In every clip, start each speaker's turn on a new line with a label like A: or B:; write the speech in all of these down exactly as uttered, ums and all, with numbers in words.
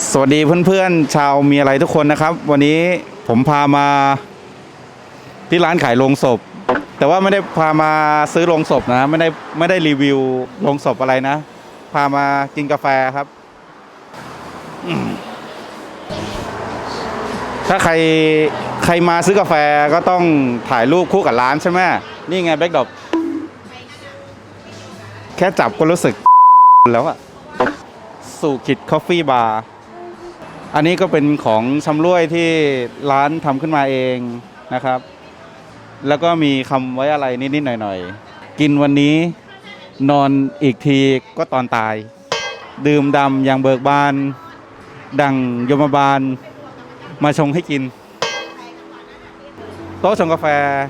A: สวัสดีเพื่อนๆชาวมีอะไรทุกคนนะครับวันนี้ผมพามาที่ร้านขายโลงศพแต่ว่าไม่ได้พามาซื้อโลงศพนะไม่ได้ไม่ได้รีวิวโลงศพอะไรนะพามากินกาแฟครับถ้าใครใครมาซื้อกาแฟก็ต้องถ่ายรูปคู่กับร้านใช่ไหมนี่ไงแบ็คดรอปแค่จับก็รู้สึกแล้วอะสู่ขิดคอฟฟี่บาร์อันนี้ก็เป็นของชำร่วยที่ร้านทำขึ้นมาเองนะครับแล้วก็มีคำไว้อะไรนิดๆหน่อยๆกินวันนี้นอนอีกทีก็ตอนตายดื่มดำอย่างเบิกบานดังยมบาลมาชงให้กินโต๊ะชงกาแฟ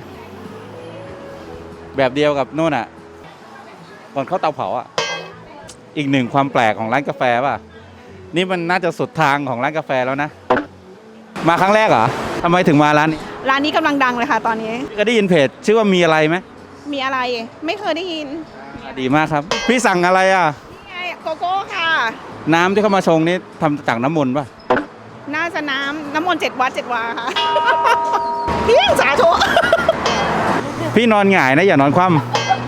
A: แบบเดียวกับโน่นอ่ะก่อนเข้าเตาเผาอ่ะอีกหนึ่งความแปลกของร้านกาแฟป่ะนี่มันน่าจะสุดทางของร้านกาแฟแล้วนะมาครั้งแรกเหรอทำไมถึงมาร้านนี้
B: ร้านนี้กำลังดังเลยค่ะตอนนี้
A: ก็ได้ยินเพจชื่อว่ามีอะไรไหม
B: มีอะไรไม่เคยได้ยิน
A: ดีมากครับพี่สั่งอะไรอ่ะ
B: นี่ไงโกโก้ค่ะ
A: น้ำที่เขามาชงนี่ทำจากน้ำมนต์ป่ะ
B: น่าจะน้ำน้ำมนต์เจ็ดวัดเจ็ดวาค่ะพี่สาธุ
A: พี่นอนหงายนะอย่านอนคว่ำ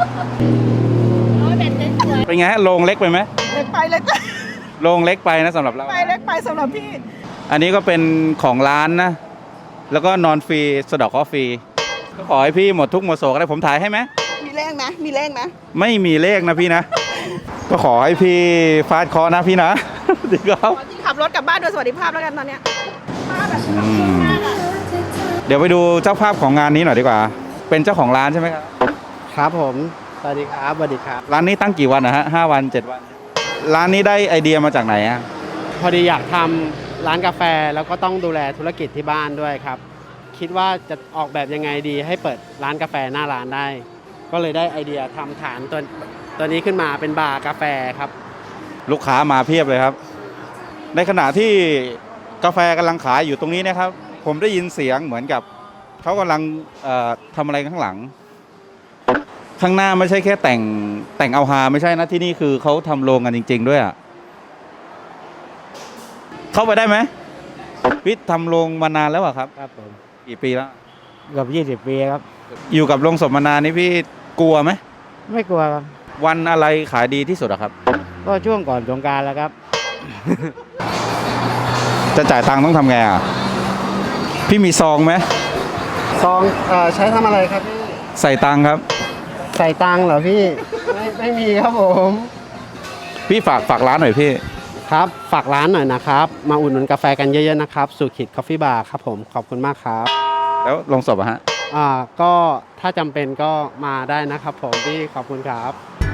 A: เป็นไงฮะโรงเล็กไปไหม
B: เล็กไปเล็กไป
A: โรงเล็กไปนะสำหรับเรา
B: ไปเล็กไปสำหรับพี่
A: อันนี้ก็เป็นของร้านนะแล้วก็นอนฟรีสะดอกข้อฟรีก็ขอให้พี่หมดทุกหมดโศกได้ผมถ่ายให้ไหม
B: มีเลขนะมีเลขนะ
A: ไม่มีเลขนะพี่นะก็ขอให้พี่ฟาดเคาะนะพี่นะดีครับ
B: ขับรถกลับบ้านโดยสวัสดิภาพแล้วกันตอนเนี้ย
A: เดี๋ยวไปดูเจ้าภาพของงานนี้หน่อยดีกว่าเป็นเจ้าของร้านใช่ไหมครับ
C: ครับผมสวัสดีครับสวัสดีครับ
A: ร้านนี้ตั้งกี่วันนะฮะห้าวันเจ็ดวันร้านนี้ได้ไอเดียมาจากไหนอ่ะ
C: พอดีอยากทำร้านกาแฟแล้วก็ต้องดูแลธุรกิจที่บ้านด้วยครับคิดว่าจะออกแบบยังไงดีให้เปิดร้านกาแฟหน้าร้านได้ก็เลยได้ไอเดียทำฐานตัวตัวนี้ขึ้นมาเป็นบาร์กาแฟครับ
A: ลูกค้ามาเพียบเลยครับในขณะที่กาแฟกำลังขายอยู่ตรงนี้นะครับผมได้ยินเสียงเหมือนกับเขากำลังทำอะไรข้างหลังข้างหน้าไม่ใช่แค่แต่งแต่งเอาฮาไม่ใช่นะที่นี่คือเขาทำโรงกันจริงๆด้วยอ่ะเข้าไปได้ไหมพี่ทำโรงมานานแล้วอะครับ
C: ครับผม
A: กี่ปีแล้ว
C: เกือบยี่สิบปีครับ
A: อยู่กับโรงศพมานานนี่พี่กลัวไหม
C: ไม่กลัวครับ
A: วันอะไรขายดีที่สุดอะครับ
C: ก็ช่วงก่อนสงกรานต์แล้วครับ
A: จะจ่ายตังค์ต้องทำไงอ่ะพี่มีซองไหม
C: ซองเอ่อใช้ทำอะไรครับพี่
A: ใส่ตังค์ครับ
C: ใส่ตังค์เหรอพี่ไม่ไม่มีครับผม
A: พี่ฝากฝากร้านหน่อยพี่
C: ครับฝากร้านหน่อยนะครับมาอุดหนุนกาแฟกันเยอะๆนะครับสุขิตคอฟฟี่บาร์ครับผมขอบคุณมากครับ
A: แล้วลงศพอะฮะ
C: อ่าก็ถ้าจำเป็นก็มาได้นะครับผมพี่ขอบคุณครับ